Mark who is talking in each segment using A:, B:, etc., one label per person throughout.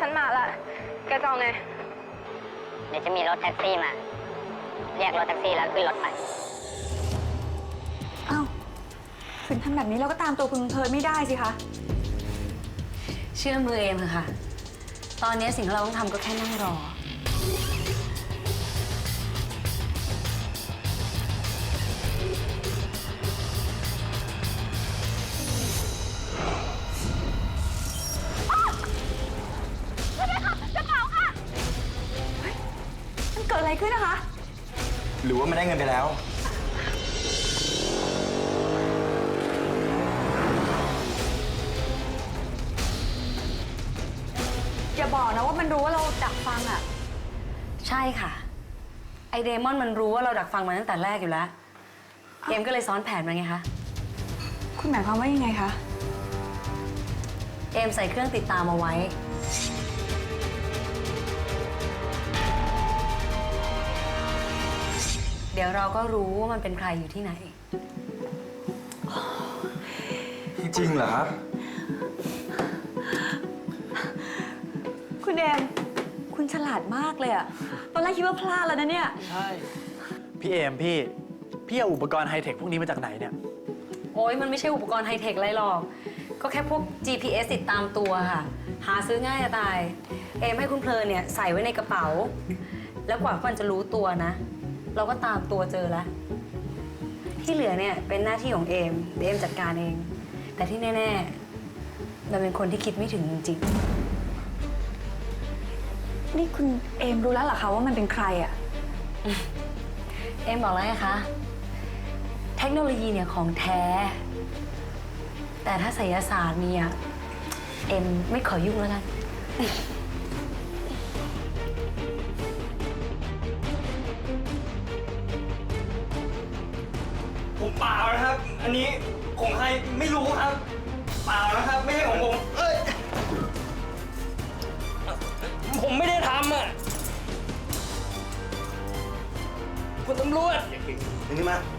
A: นมาละแกจะเอาไง
B: เดี๋ยวจะมีรถแท็กซี่มาเรียกรถแท็กซี่แล้วขึ้นรถไป
C: อ้าวถึงทำแบบนี้เราก็ตามตัวคุณเพลินไม่ได้สิคะ
D: เชื่อมือเอมเถอะค่ะตอนนี้สิ่งที่เราต้องทำก็แค่นั่งรอ
C: มันเกิดอะไรขึ้นนะคะ
E: หรือว่าไม่ได้เงินไปแล้ว
C: อย่าบอกนะว่ามันรู้ว่าเราดักฟังอ่ะ
D: ใช่ค่ะไอเดมอนมันรู้ว่าเราดักฟังมาตั้งแต่แรกอยู่แล้วเอมก็เลยซ้อนแผนมาไงคะ
C: คุณหมายความว่ายังไงคะ
D: เอมใส่เครื่องติดตามเอาไว้เดี๋ยวเราก็รู้ว่ามันเป็นใครอยู่ที่ไหน
E: จริงเหรอครับ
C: คุณเอมคุณฉลาดมากเลยอะตอนแรกคิดว่าพลาดแล้วนะเนี่ย
F: ใช่พี่เอมพี่เอาอุปกรณ์ไฮเทคพวกนี้มาจากไหนเนี่ย
D: โอ้ยมันไม่ใช่อุปกรณ์ไฮเทคอะไรหรอกก็แค่พวก GPS ติดตามตัวค่ะหาซื้อง่ายจะตายเอมให้คุณเพลินเนี่ยใส่ไว้ในกระเป๋าแล้วกว่ามันจะรู้ตัวนะเราก็ตามตัวเจอแล้วที่เหลือเนี่ยเป็นหน้าที่ของเอมเดี๋ยวเอมจัดการเองแต่ที่แน่ๆเราเป็นคนที่คิดไม่ถึงจริง
C: นี่คุณเอมรู้แล้วเหรอคะว่ามันเป็นใครอะ
D: เอมบอกแล้วไงคะเทคโนโลยีเนี่ยของแท้แต่ถ้าไสยศาสตร์เนี่ยเอ็มไม่ขอยุ่งแล้วกัน
E: ผมเปล่านะครับอันนี้ของใครไม่รู้ครับเปล่านะครับไม่ใช่ของผมผมไม่ได้ทำอ่ะคุณตำรวจดึงขึ้นมา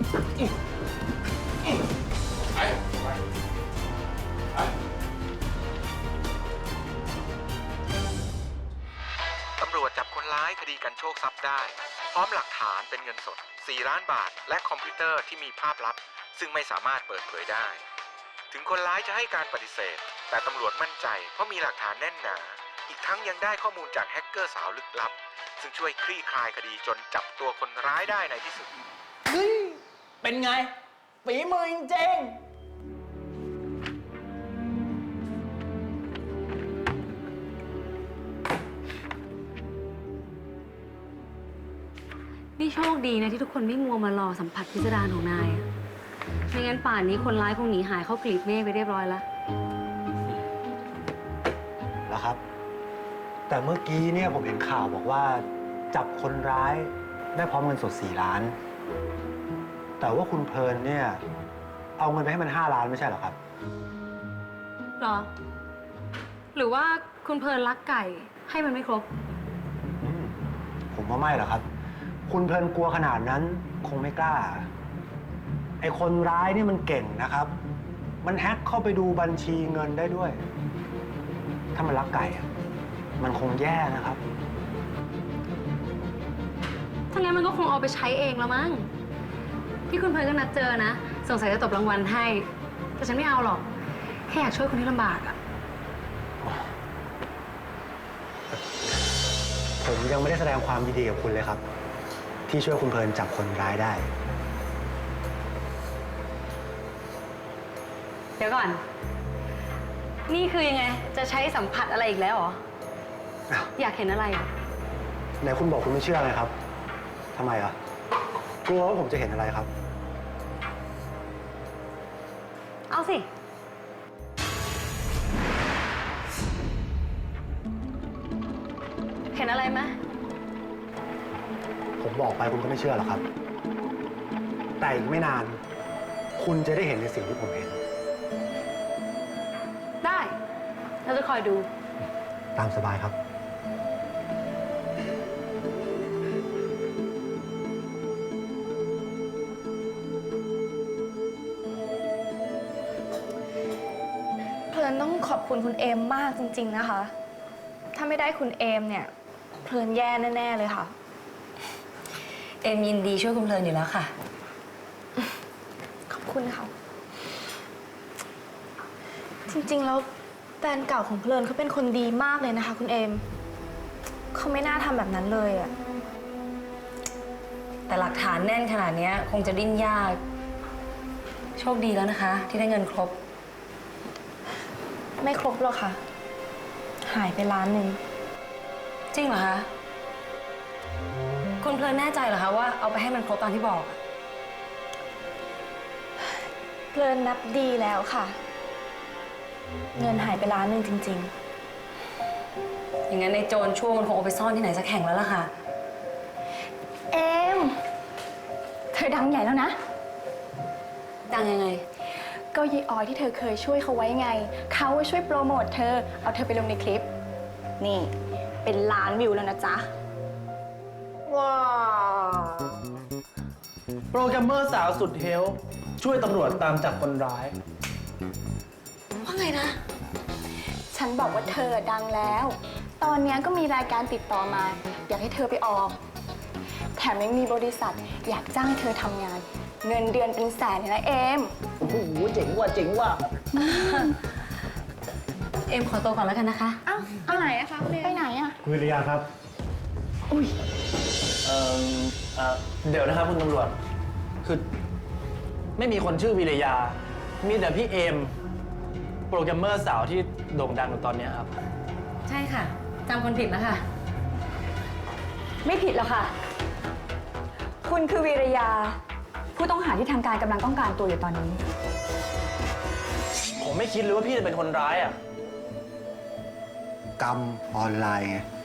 G: ตำรวจจับคนร้ายคดีกันโชคทรัพย์ได้พร้อมหลักฐานเป็นเงินสด4 ล้านบาทและคอมพิวเตอร์ที่มีภาพลับซึ่งไม่สามารถเปิดเผยได้ถึงคนร้ายจะให้การปฏิเสธแต่ตำรวจมั่นใจเพราะมีหลักฐานแน่นหนาอีกทั้งยังได้ข้อมูลจากแฮกเกอร์สาวลึกลับซึ่งช่วยคลี่คลายคดีจนจับตัวคนร้ายได้ในที่สุด
F: เป็นไงฝีมือจริง
D: นี่โชคดีนะที่ทุกคนไม่มัวมารอสัมผัสพิสดารของนายอะไม่งั้นป่านนี้คนร้ายคงหนีหายเข้ากลีบเมฆไปเรียบร้อยแล้ว
H: แล้วครับแต่เมื่อกี้เนี่ยผมเห็นข่าวบอกว่าจับคนร้ายได้พร้อมเงินสด4 ล้านแต่ว่าคุณเพลินเนี่ยเอาเงินไปให้มัน5 ล้านไม่ใช่เหรอครับ
D: หรอหรือว่าคุณเพลินรักไก่ให้มันไม่ครบ
H: ผมว่าไม่หรอกครับคุณเพลินกลัวขนาดนั้นคงไม่กล้าไอ้คนร้ายนี่มันเก่งนะครับมันแฮ็กเข้าไปดูบัญชีเงินได้ด้วยถ้ามันรักไก่มันคงแย่นะครับ
D: ถ้างั้นมันก็คงเอาไปใช้เองแล้วมั้งที่คุณเพลินก็นัดเจอนะสงสัยจะตบรางวัลให้แต่ฉันไม่เอาหรอกแค่อยากช่วยคนที่ลำบากอะ
H: ผมยังไม่ได้แสดงความยินดีกับคุณเลยครับที่ช่วยคุณเพลินจับคนร้ายได้
D: เดี๋ยวก่อนนี่คือยังไงจะใช้สัมผัสอะไรอีกแล้วเหรออยากเห็นอะไร
H: ไหนคุณบอกคุณไม่เชื่อไงครับทำไมอ่ะกลัวว่าผมจะเห็นอะไรครับ
D: เอาสิเห็นอะไรไหม
H: ผมบอกไปคุณก็ไม่เชื่อหรอกครับแต่อีกไม่นานคุณจะได้เห็นในสิ่งที่ผมเห็น
D: ได้เราจะคอยดู
H: ตามสบายครับ
A: เพลินต้องขอบคุณคุณเอมมากจริงๆนะคะถ้าไม่ได้คุณเอมเนี่ยเพลินแย่แน่ๆเลยค่ะ
D: เอมยินดีช่วยคุณเพลินอยู่แล้วค่ะ
A: ขอบคุณค่ะ จริงๆแล้วแฟนเก่าของเพลินเขาเป็นคนดีมากเลยนะคะ คุณเอมเขาไม่น่าทำแบบนั้นเลยอะ
D: แต่หลักฐานแน่นขนาดนี้คงจะดิ้นยาก โชคดีแล้วนะคะ ที่ได้เงินครบ
A: ไม่ครบหรอกค่ะ หายไป1 ล้าน
D: จริงเหรอคะ คุณเพลินแน่ใจเหรอคะว่าเอาไปให้มันครบตามที่บอก
A: เพลินนับดีแล้วค่ะ เงินหายไป1 ล้านจริง
D: อย่างนั้นในโจรชั่วมันคงเอาไปซ่อนที่ไหนสักแห่งแล้วล่ะค่ะ
C: เอม เธอดังใหญ่แล้วนะ
D: ดังยังไง
C: ก็ยีออยที่เธอเคยช่วยเขาไว้ไง เขาช่วยโปรโมทเธอ เอาเธอไปลงในคลิป นี่เป็น1 ล้านวิวแล้วนะจ๊ะ
F: ว้าว โปรแกรมเมอร์สาวสุดเฮลช่วยตำรวจตามจับคนร้าย
D: ว่าไงนะ
C: ฉันบอกว่าเธอดังแล้ว ตอนนี้ก็มีรายการติดต่อมา อยากให้เธอไปออก แถมยังมีบริษัทอยากจ้างให้เธอทำงาน เงินเดือนเป็นแสนเลยนะเอม
F: โอ้โห เจ๋งว่ะ เจ๋งว่ะ
D: เอ็มขอตัวก่อนแล้วกันนะคะ
C: เอ้าเอาไหนอะคะไปไหนอะ
H: คุณวิริยาครับ
F: เดี๋ยวนะครับคุณตำรวจ คือไม่มีคนชื่อวิรยา มีแต่พี่เอม โปรแกรมเมอร์สาวที่โด่งดังอยู่ตอนนี้ครับ
D: ใช่ค่ะจำคนผิดแล้วค่ะ
C: ไม่ผิดหรอกค่ะ คุณคือวีรยา ผู้ต้องหาที่ทางการกำลังต้องการตัวอยู่ตอนนี้
F: ผมไม่คิดเลยว่าพี่จะเป็นคนร้ายอ่ะ
H: กรรมออนไลน์ไง